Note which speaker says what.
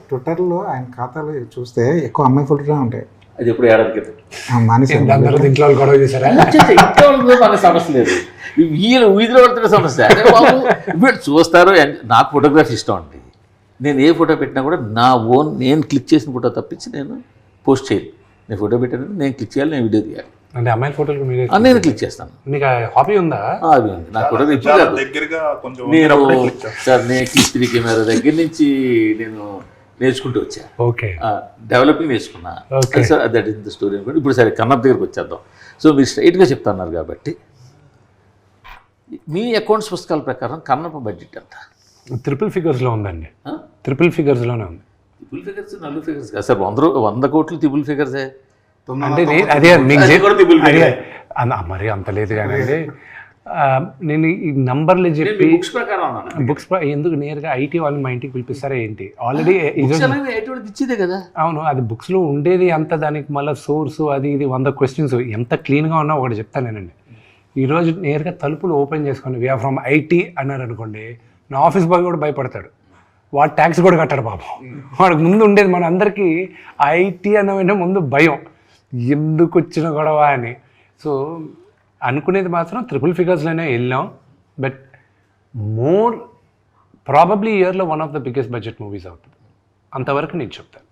Speaker 1: ట్విట్టర్లో ఆయన ఖాతాలో చూస్తే ఎక్కువ అమ్మాయి ఫోటోలే ఉంటాయి.
Speaker 2: అది ఎప్పుడు ఏడాది క్రితం
Speaker 1: మానేసి
Speaker 3: ఇంట్లో వాళ్ళు గొడవ చేశారా?
Speaker 2: మనకు సమస్య లేదు, వీళ్ళు వీధిలో పడుతున్న సమస్య. అదే బాబు వీళ్ళు చూస్తారు. నాకు ఫోటోగ్రఫీ ఇష్టం అండి. నేను ఏ ఫోటో పెట్టినా కూడా నా ఓన్ నేను క్లిక్ చేసిన ఫోటో తప్పించి నేను పోస్ట్ చేయను. నేను ఫోటో పెట్టాను, నేను క్లిక్ చేయాలి, నేను వీడియో తీయాలి.
Speaker 3: అంటే అమ్మాయిల ఫోటోలు
Speaker 2: నేను క్లిక్ చేస్తాను.
Speaker 3: మీకు హాబీ ఉందా?
Speaker 2: అది ఉంది నాకు. ఫోటో నేను సార్ నేను క్లిక్ కెమెరా దగ్గర నుంచి నేను నేర్చుకుంటూ వచ్చా.
Speaker 3: ఓకే,
Speaker 2: డెవలపింగ్ నేర్చుకున్నా. Sir that is the story అనుకోండి. ఇప్పుడు సరే కన్నప్ప దగ్గరకు వచ్చేద్దాం. సో మీరు స్ట్రైట్గా చెప్తున్నారు కాబట్టి మీ అకౌంట్స్ పుస్తకాల ప్రకారం కన్నప్ప బడ్జెట్ ఎంత?
Speaker 3: ట్రిపుల్ ఫిగర్స్లో ఉందండి. ట్రిపుల్ ఫిగర్స్లోనే ఉంది.
Speaker 2: ట్రిపుల్ ఫిగర్స్, నలుగు ఫిగర్స్ కాదు సార్. 100 కోట్లు ట్రిపుల్ ఫిగర్సే.
Speaker 3: అంటే అదే మరి అంత లేదు కానీ నేను ఈ నంబర్లు చెప్పి
Speaker 2: బుక్స్ ప్రకారం
Speaker 3: బుక్స్ ఎందుకు నేరుగా ఐటీ వాళ్ళని మా ఇంటికి పిలిపిస్తారా ఏంటి? ఆల్రెడీ
Speaker 2: ఇచ్చేదే కదా.
Speaker 3: అవును, అది బుక్స్లో ఉండేది అంత. దానికి మళ్ళీ సోర్సు అది ఇది 100 క్వశ్చన్స్. ఎంత క్లీన్గా ఉన్నా ఒకటి చెప్తానేనండి. ఈరోజు నేరుగా తలుపులు ఓపెన్ చేసుకొని వీఆర్ ఫ్రమ్ ఐటీ అన్నారు అనుకోండి, నా ఆఫీస్ బాయ్ కూడా భయపడతాడు. వాడు ట్యాక్స్ కూడా కట్టాడు పాపం. వాడికి ముందు ఉండేది మన అందరికీ ఐటీ అన్న ముందు భయం, ఎందుకు వచ్చిన గొడవ అని. సో అనుకునేది మాత్రం ట్రిపుల్ ఫిగర్స్లోనే వెళ్ళాం. బట్ మోర్ ప్రాబబ్లీ ఇయర్లో one of the biggest budget movies అవుతుంది. అంతవరకు నేను చెప్తాను.